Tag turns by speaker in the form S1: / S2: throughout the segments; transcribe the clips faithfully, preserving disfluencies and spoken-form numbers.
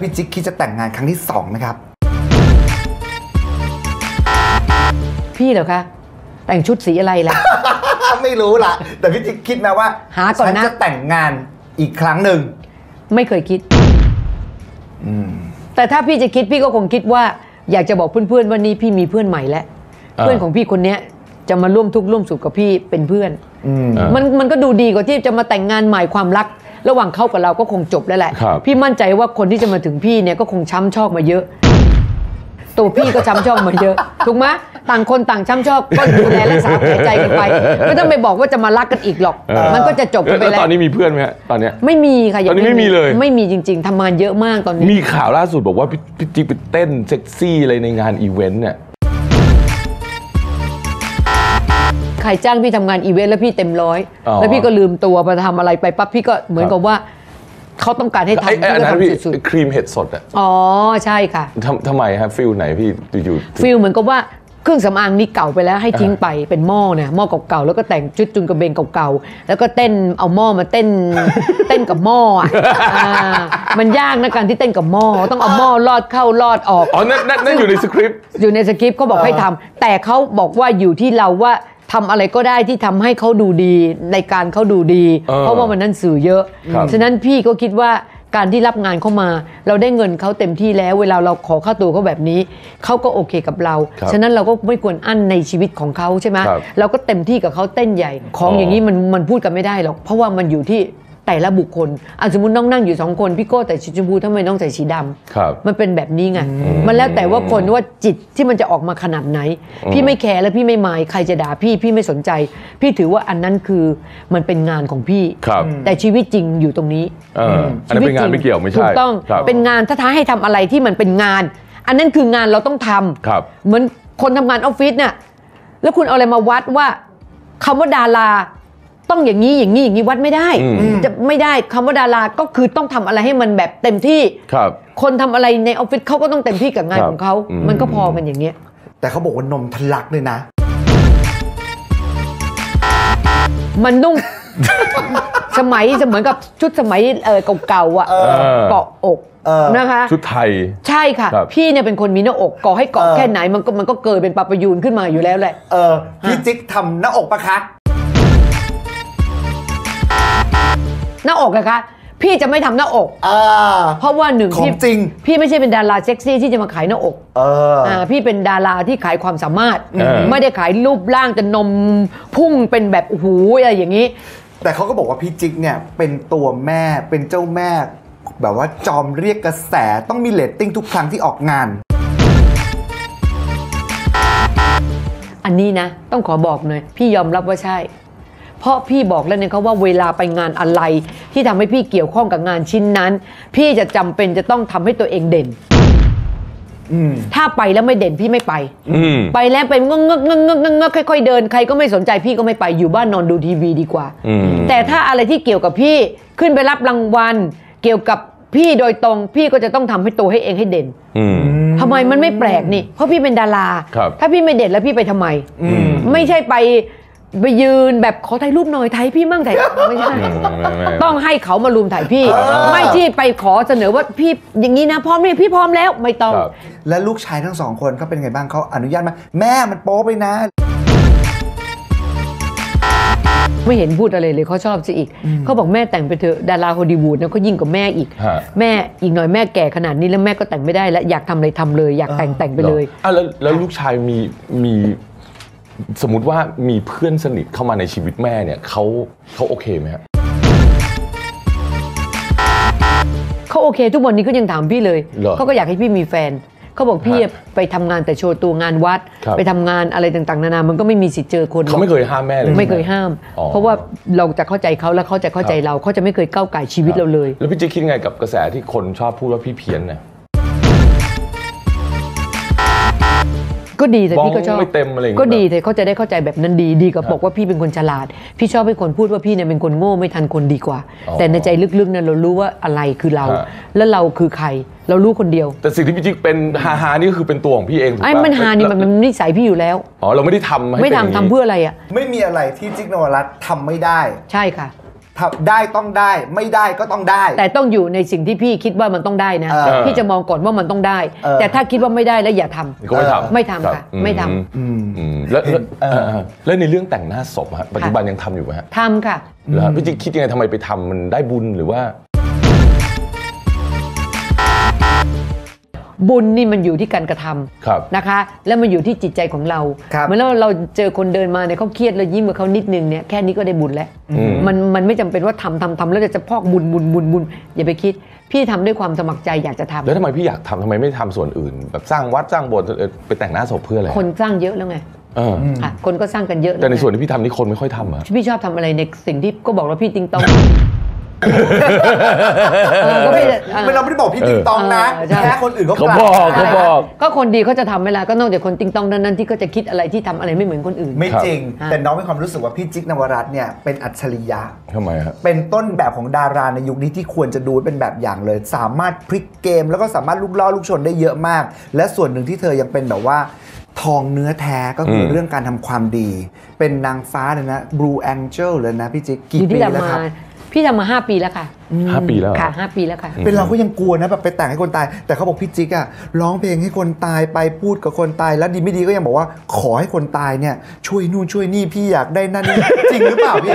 S1: พี่จิ๊กคิดจะแต่งงานครั้งที่สองไหมครับ
S2: พี่เหรอคะแต่งชุดสีอะไรล่ะ
S1: ไม่รู้ล่ะแต่พี่จิ๊กคิดนะว่า
S2: หาก่อนนะ
S1: ฉันจะแต่งงานอีกครั้งหนึ่ง
S2: ไม่เคยคิดแต่ถ้าพี่จะคิดพี่ก็คงคิดว่าอยากจะบอกเพื่อนๆว่านี่พี่มีเพื่อนใหม่แล้วเพื่อนของพี่คนนี้จะมาร่วมทุกข์ร่วมสุขกับพี่เป็นเพื่อนมันมันก็ดูดีกว่าที่จะมาแต่งงานใหม่ความรักระหว่างเขากับเราก็คงจบแล้วแหละพี่มั่นใจว่าคนที่จะมาถึงพี่เนี่ยก็คงช้ำชอกมาเยอะตัวพี่ก็ช้ำชอกมาเยอะถูกไหมต่างคนต่างช้ำชอกก็ดูแลรักษาแผลใจกันไปไม่ต้องไปบอกว่าจะมารักกันอีกหรอกมันก็จะจบไปแล้ว
S3: ตอนนี้มีเพื่อนไหมตอนเนี้ย
S2: ไม่มีค่ะ
S3: ตอนนี้ไม่มีเลย
S2: ไม่มีจริงๆทำงานเยอะมากตอนนี้
S3: มีข่าวล่าสุดบอกว่าพี่จิ๊กไปเต้นเซ็กซี่อะไรในงานอีเวนต์เนี่ย
S2: ใครจ้างพี่ทำงานอีเวนต์แล้วพี่เต็มร้อยแล้วพี่ก็ลืมตัวไปทำอะไรไปปั๊บพี่ก็เหมือนกับว่าเขาต้องการให้ทำพี่ก็ทำสุด
S3: ๆครีมเห็ดสดอ่ะ
S2: อ๋อใช่ค่ะ
S3: ทำไมครับฟิลไหนพี่อยู่
S2: ฟิลเหมือนกับว่าเครื่องสำอางนี้เก่าไปแล้วให้ทิ้งไปเป็นหม้อเนี่ยหม้อเก่าๆแล้วก็แต่งชุดจุนกระเบนเก่าๆแล้วก็เต้นเอาหม้อมาเต้นเต้นกับหม้ออ่ะมันยากนะการที่เต้นกับหม้อต้องเอาหม้อลอดเข้าลอดออก
S3: อ๋อนั่นนั่นอยู่ในสคริปต์
S2: อยู่ในสคริปต์เขาบอกให้ทำแต่เขาบอกว่าอยู่ที่เราว่าทำอะไรก็ได้ที่ทำให้เขาดูดีในการเขาดูดีเพราะว่ามันนั้นสื่อเยอะฉะนั้นพี่ก็คิดว่าการที่รับงานเข้ามาเราได้เงินเขาเต็มที่แล้วเวลาเราขอค่าตัวเขาแบบนี้เขาก็โอเคกับเราฉะนั้นเราก็ไม่ควรอั้นในชีวิตของเขาใช่ไหมเราก็เต็มที่กับเขาเต้นใหญ่ของอย่างนี้มันมันพูดกันไม่ได้หรอกเพราะว่ามันอยู่ที่แต่ละบุคคลอ่ะสมมติน้องนั่งอยู่สองคนพี่โก้แต่สีชมพูทำไมน้องใส่สีดำมันเป็นแบบนี้ไงมันแล้วแต่ว่าคนว่าจิตที่มันจะออกมาขนาดไหนพี่ไม่แคร์และพี่ไม่หมายใครจะด่าพี่พี่ไม่สนใจพี่ถือว่าอันนั้นคือมันเป็นงานของพี่แต่ชีวิตจริงอยู่ตรงนี้
S3: อันนั้นเป็นงานไม่เกี่ยวไม่ใช่
S2: ถูกต้องเป็นงานถ้าท้าให้ทำอะไรที่มันเป็นงานอันนั้นคืองานเราต้องทำเหมือนคนทำงานออฟฟิศเนี่ยแล้วคุณเอาอะไรมาวัดว่าคำว่าดาราต้องอย่างนี้อย่างนี้อย่างนี้วัดไม่ได้จะไม่ได้คำว่าดาราก็คือต้องทำอะไรให้มันแบบเต็มที่คนทำอะไรในออฟฟิศเขาก็ต้องเต็มที่กับงานของเขามันก็พอกันอย่างเงี้ย
S1: แต่เขาบอกว่านมทะลักเลยนะ
S2: มันนุ่ง สมัยเหมือนกับชุดสมัยเก่าๆอ่ะเกาะอกนะคะ
S3: ชุดไทย
S2: ใช่ค่ะพี่เนี่ยเป็นคนมีหน้าอกเกาะให้เกาะแค่ไหนมันก็มันก็เกิดเป็นปลาประยูนขึ้นมาอยู่แล้วแหละ
S1: เออพี่จิ๊กทำหน้าอกปะคะ
S2: หน้าอกนะคะพี่จะไม่ทำหน้าอกเพราะว่าหนึ่ง
S1: พี่จริง
S2: พี่ไม่ใช่เป็นดาราเซ็กซี่ที่จะมาขายหน้าอกพี่เป็นดาราที่ขายความสามารถไม่ได้ขายรูปร่างจะนมพุ่งเป็นแบบโอ้โหอะไรอย่างนี้
S1: แต่เขาก็บอกว่าพี่จิ๊กเนี่ยเป็นตัวแม่เป็นเจ้าแม่แบบว่าจอมเรียกกระแสต้องมีเรตติ้งทุกครั้งที่ออกงาน
S2: อันนี้นะต้องขอบอกหน่อยพี่ยอมรับว่าใช่เพราะพี่บอกแล้วเนี่ยเขาว่าเวลาไปงานอะไรที่ทำให้พี่เกี่ยวข้องกับงานชิ้นนั้นพี่จะจำเป็นจะต้องทำให้ตัวเองเด่นถ้าไปแล้วไม่เด่นพี่ไม่ไปไปแล้วไปงงงงงงงค่อยๆเดินใครก็ไม่สนใจพี่ก็ไม่ไปอยู่บ้านนอนดูทีวีดีกว่าแต่ถ้าอะไรที่เกี่ยวกับพี่ขึ้นไปรับรางวัลเกี่ยวกับพี่โดยตรงพี่ก็จะต้องทำให้ตัวให้เองให้เด่นทำไมมันไม่แปลกนี่เพราะพี่เป็นดาราถ้าพี่ไม่เด่นแล้วพี่ไปทำไมไม่ใช่ไปไปยืนแบบขอถ่ายรูปหน่อยถ่ายพี่มั่งถ่ายไม่ใช่ต้องให้เขามารุมถ่ายพี่ไม่ที่ไปขอเสนอว่าพี่อย่างนี้นะพร้อมไหมพี่พร้อมแล้วไม่ต้อง
S1: และลูกชายทั้งสองคนเขาเป็นไงบ้างเขาอนุญาตไหมแม่มันโป๊ไปนะ
S2: ไม่เห็นพูดอะไรเลยเขาชอบสิอีกเขาบอกแม่แต่งไปเถอะดาราฮอลลีวูดนะเขายิ่งกว่าแม่อีกแม่อีกหน่อยแม่แก่ขนาดนี้แล้วแม่ก็แต่งไม่ได้แล้วอยากทำอะไรทำเลยอยากแต่งแต่งไปเลย
S3: อ่ะแล้วแล้วลูกชายมีมีสมมุติว่ามีเพื่อนสนิทเข้ามาในชีวิตแม่เนี่ยเขาเขาโอเคไหมครับ
S2: เขาโอเคทุกวันนี้ก็ยังถามพี่เลยเขาก็อยากให้พี่มีแฟนเขาบอกพี่ไปทำงานแต่โชว์ตัวงานวัดไปทำงานอะไรต่างๆนานามันก็ไม่มีสิทธิ์เจอคน
S3: เขาไม่เคยห้ามแม่เลย
S2: ไม่เคยห้ามเพราะว่าเราจะเข้าใจเขาและเขาจะเข้าใจเราเขาจะไม่เคยก้าวไก่ชีวิตเราเลย
S3: แล้วพี่จะคิดไงกับกระแสที่คนชอบพูดว่าพี่เพี้ยนเนี่ย
S2: ก็ดีแต่พี่ก็ชอบ
S3: ไม่เต็มอะไร
S2: ก็ดีแต่เขาจะได้เข้าใจแบบนั้นดีดีกับบอกว่าพี่เป็นคนฉลาดพี่ชอบให้คนพูดว่าพี่เนี่ยเป็นคนโง่ไม่ทันคนดีกว่าแต่ในใจลึกๆนั้นเรารู้ว่าอะไรคือเราแล้วเราคือใครเรารู้คนเดียว
S3: แต่สิ่งที่พี่จิ๊กเป็นฮาฮานี่คือเป็นตัวของพี่เอง
S2: ไอ้มันฮานี่มันนิสัยพี่อยู่แล้ว
S3: อ๋อเราไม่ได้ทำ
S2: ไม่ทำทำเพื่ออะไรอ่ะ
S1: ไม่มีอะไรที่จิ๊กนวรัตน์ทำไม่ได้
S2: ใช่ค่ะ
S1: ททำได้ต้องได้ไม่ได้ก็ต้องได้
S2: แต่ต้องอยู่ในสิ่งที่พี่คิดว่ามันต้องได้นะ
S1: เออ
S2: พี่จะมองก่อนว่ามันต้องได้
S1: เออ
S2: แต่ถ้าคิดว่าไม่ได้แล้วอย่าทำ
S3: ก็ไม่ทำ
S2: ไม่ทำ
S3: รับ
S2: ค่ะไม่ทำ
S3: อืมอืมแล้วแล้ว
S1: เออ
S3: เออแล้วในเรื่องแต่งหน้าศพฮะปัจจุบันยังทำอยู่ไหมฮะ
S2: ทำค่ะ
S3: แล้วพี่จิ๊กคิดยังไงทำไมไปทำมันได้บุญหรือว่า
S2: บุญนี่มันอยู่ที่การกระทำ
S3: ครับ
S2: นะคะ แล้วมันอยู่ที่จิตใจของเรา
S1: ครับ
S2: เหมือนเราเราเจอคนเดินมาเนี่ยเขาเครียดเรายิ้มกับเขานิดนึงเนี่ยแค่นี้ก็ได้บุญแล้ว
S3: อืม
S2: มันมันไม่จำเป็นว่าทำทำทำแล้วจะพอกบุญบุญบุญบุญอย่าไปคิด พี่ทำด้วยความสมัครใจอยากจะทำ
S3: แล้วทำไมพี่อยากทำทำไมไม่ทำส่วนอื่น แบบสร้างวัดสร้างโบสถ์เออไปแต่งหน้าศพเพื่ออะไร
S2: คนสร้างเยอะแล้วไง
S3: เออ
S2: ค่ะคนก็สร้างกันเยอะ
S3: แต่ใน
S2: ล้วไง
S3: ส่วนที่พี่ทำนี่คนไม่ค่อยทำอะ
S2: พี่ชอบทำอะไรในสิ่งที่ก็บอกว่าพี่ติงตองเออก็พี่จะเออ
S1: ไม่เราไม่ได้บอกพี่ติ๊กตองนะ
S2: เออใช่
S1: แค่คนอื่นเขา
S3: เขา
S1: กล่าว
S3: บอก
S2: ใช่
S3: เขาบอก
S2: ก็คนดีเขาจะทำเวลาก็นอกจากคนติงตองนั้นนั้นที่ก็จะคิดอะไรที่ทำอะไรไม่เหมือนคนอื่น
S1: ไม่จริง
S2: ครับ
S1: แต่น้องมีความรู้สึกว่าพี่จิ๊กนวรัตน์เนี่ยเป็นอัจฉริยะ
S3: ทำไมฮะ
S1: เป็นต้นแบบของดาราในยุคนี้ที่ควรจะดูเป็นแบบอย่างเลย สามารถพลิกเกม แล้วก็สามารถลุกล่อลูกชนได้เยอะมาก และส่วนหนึ่งที่เธอยังเป็นแบบว่า ทองเนื้อแท้ก็คืออ
S3: ม
S1: เรื่องการทำความดี เป็นนางฟ้าเลยนะ Blue Angel เลยนะพี่จิ๊ก
S2: อ
S1: กี่
S2: ยู่
S1: ปี
S2: ที่
S1: แล้ว
S2: ทำมา
S1: ครับ
S2: พี่ทำมาห้าปีแล้วค่ะ
S3: ห้าปีแล้วเหรอ
S2: ค่ะห้าปีแล้วค่ะ
S1: เป็นเราก็ยังกลัวนะแบบไปแต่งให้คนตาย แต่เขาบอกพี่จิ๊กอะร้องเพลงให้คนตายไปพูดกับคนตายแล้วดีไม่ดีก็ยังบอกว่าขอให้คนตายเนี่ยช่วยนู่นช่วยนี่พี่อยากได้นั่นนี่ จริงหรือเปล่าพี่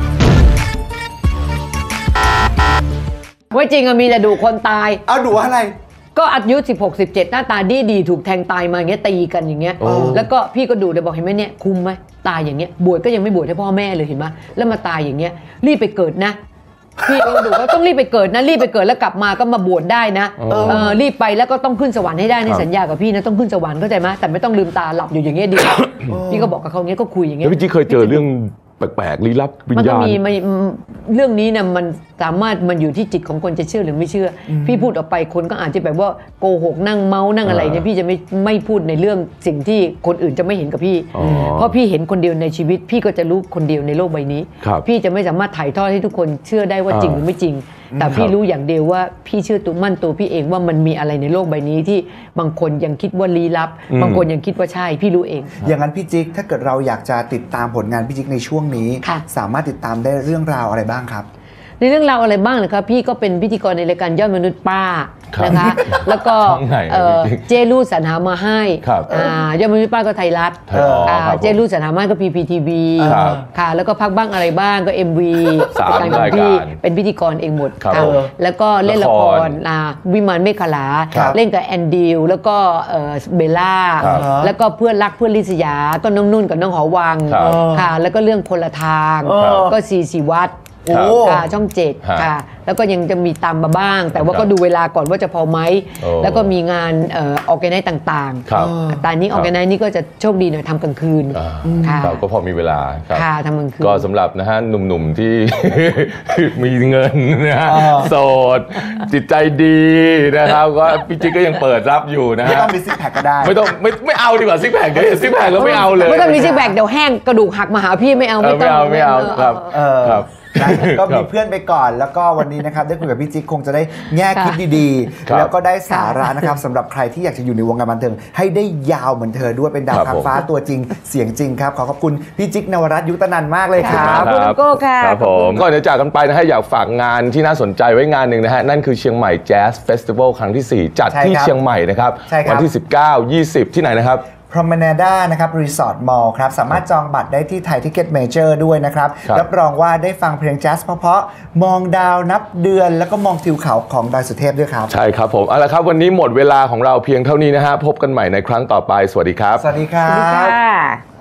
S2: ว่าจริงอะมีแต่ดูคนตาย
S1: เอาดูอะไร
S2: ก็อายุสิบหก สิบเจ็ดหน้าตาดีดีถูกแทงตายมาอย่างเงี้ยตีกันอย่างเงี้ย
S3: โอ้
S2: แล้วก็พี่ก็ดูเลยบอกเห็นไหมเนี่ยคุ้มไหมตายอย่างเงี้ยบวชก็ยังไม่บวชให้พ่อแม่เลยเห็นไหมแล้วมาตายอย่างเงี้ยรีบไปเกิดนะพี่ก็ดูว่าต้องรีบไปเกิดนะรีบไปเกิดแล้วกลับมาก็มาบวชได้นะ
S3: เออ
S2: เออรีบไปแล้วก็ต้องขึ้นสวรรค์ให้ได้ใน
S3: ครับ
S2: สัญญากับพี่นะต้องขึ้นสวรรค์เข้าใจไหมแต่ไม่ต้องลืมตาหลับอยู่อย่างเงี้ยดีกว่าพี่ก็บอกกับเขาอย่างเงี้ยก็คุยอย่าง
S3: แล้
S2: เงี้
S3: วย พี่จิ๊กเคยเจอเรื่องแปลกๆลี้ลับวิญ
S2: มันก็
S3: ญาณ
S2: มีมันเรื่องนี้นะมันสามารถมันอยู่ที่จิตของคนจะเชื่อหรือไม่เชื่ออพี่พูดออกไปคนก็อาจจะแบบว่าโกหกนั่งเมานั่งอะไรเนี่ย
S3: อ่า
S2: พี่จะไม่ไม่พูดในเรื่องสิ่งที่คนอื่นจะไม่เห็นกับพี่
S3: อ๋อ
S2: เพราะพี่เห็นคนเดียวในชีวิต พี่ก็จะรู้คนเดียวในโลกใบนี้
S3: ครับ
S2: พี่จะไม่สามารถถ่ายทอดให้ทุกคนเชื่อได้ว่า
S3: อ่า
S2: จริงหรือไม่จริง แต่พี่
S3: ครับ
S2: รู้อย่างเดียวว่าพี่เชื่อตัวมั่นตัวพี่เองว่ามันมีอะไรในโลกใบนี้ที่บางคนยังคิดว่าลี้ลับ
S3: อืม
S2: บางคนยังคิดว่าใช่พี่รู้เอง
S1: อย่างนั้นพี่จิ๊กถ้าเกิดเราอยากจะติดตามผลงานพี่จิ๊กในช่วงนี้
S2: ค่ะ
S1: สามารถติดตามได้เรื่องราวอะไรบ้างครับ
S2: ในเรื่องราวอะไรบ้างนะครับพี่ก็เป็นพิธีกรในรายการยอดมนุษย์ป้า
S3: ครับ
S2: นะคะ แล้วก็
S3: ช่องไหน
S2: เอ่อ
S3: พี่
S2: เจลูสรรหามาให้
S3: ครับ
S2: อ่ายอดมนุษย์ป้าก็ไทยรัฐ
S3: ไทยอ๋อ
S2: อ่า
S3: ครับผม
S2: เจลูสรรหามาก็พีพีทีวี
S3: ครับ
S2: ค่ะแล้วก็พักบ้างอะไรบ้างก็ เอ็ม วี
S3: สาม
S2: ของพี่
S3: รายการ
S2: เป็นพิธีกรเองหมด
S3: ครับ
S2: ค่ะ
S3: ผม
S2: แล้วก็เล่นละค
S3: ละค
S2: ร
S3: ร
S2: อ่าวิมานเมฆขลา
S3: ครับ
S2: เล่นกับแอนดิวแล้วก็เอ่อเบลล่า
S3: ครับ
S2: แล้วก็เพื่อนรักเพื่อนลิศยาก็น้องนุ่นกับน้องหอวัง
S3: ครับ
S2: ค่ะแล้วก็เรื่องคนละทาง
S1: ครับ
S2: ก็สีสีวัด
S1: โอ้
S2: ค่ะช่องเจ็ด
S3: ฮะ
S2: ค่ะ แล้วก็ยังจะมีตามมาบ้าง แต่ว่า
S3: ครับ
S2: ก็ดูเวลาก่อนว่าจะพอไหม
S3: โอ้
S2: แล้วก็มีงานเออแกไนซ์ต่าง
S3: ครับ
S2: ๆแต่อันนี้ออแกไนซ์นี่ก็จะโชคดีหน่อยทำกลางคืน
S3: อ่า
S2: ค่ะ
S3: ครับก็พอมีเวลาครับ
S2: ค่ะทำกลางคืน
S3: ก็สำหรับนะฮะหนุ่มๆที่ มีเงินนะฮะ
S1: อ่า
S3: โสด จิตใจดีนะครับก็พี่จิ๊กก็ยังเปิดรับอยู่นะ
S1: ไม่
S3: ฮะ
S1: ต้องมีซิกแพคก็ได้
S3: ไม่ต้องไม่ไม่เอาดีกว่าซิกแพคเดี๋ยวซิกแพคแล้วไม่เอาเลย
S2: ไม่ต้องมีซิกแบกเดี๋ยวแห้งกระดูกหักมาหาพี่ไม่เอา
S3: เออ
S2: ไม่
S3: ไม่
S2: ต้อง
S3: เอาไม่เอาครับ
S1: เออ
S3: ครับ
S1: นะก็
S3: ครั
S1: มี
S3: บ
S1: เพื่อนไปก่อน แล้วก็วันนี้นะครับได้คุยกับพี่จิ๊กคงจะได้แง่คิดดี
S3: ครับ
S1: ๆ แล้วก็ได้สาระนะครับสำหรับใครที่อยากจะอยู่ในวงการบันเทิงให้ได้ยาวเหมือนเธอด้วยเป็นดาว
S3: ครับ
S1: ค้างฟ้าตัวจริงเสียงจริงครับ ขอขอบคุณพี่จิ๊กนวรัตน์ยุตนันท์มากเลยค
S2: ค่ะ
S1: รับ
S2: ขอบคุณโก้ค่ะ
S3: ครับ
S2: ข
S3: ผ
S2: อบคุ
S3: ม
S2: ณ
S3: ก่อนจะจากกันไปนะฮะอยากฝากงานที่น่าสนใจไว้งานหนึ่งนะฮะนั่นคือเชียงใหม่แจ๊สเฟสติวัลครั้งที่สี่จัด
S1: ใช่
S3: ที่
S1: ครับ
S3: เชียงใหม่นะครับ
S1: ใช่ครับ
S3: วัที่สิบเก้า ยี่สิบที่ไหนนะครับ
S1: พรอมนาด้านะครับรีสอร์ทมอลล์ครับสามารถจองบัตรได้ที่ไทยทิเก็ตเมเจอร์ด้วยนะครับ
S3: ครับ
S1: รับรองว่าได้ฟังเพลงแจ๊สเพราะๆมองดาวนับเดือน แล้วก็มองทิวเขาของดอยสุเทพด้วยครับ
S3: ใช่ครับผมเอาละครับวันนี้หมดเวลาของเราเพียงเท่านี้นะฮะพบกันใหม่ในครั้งต่อไปสวัสดีครับ
S1: สวัสดีครั
S2: สวัสดี
S1: บ
S2: ค่ะ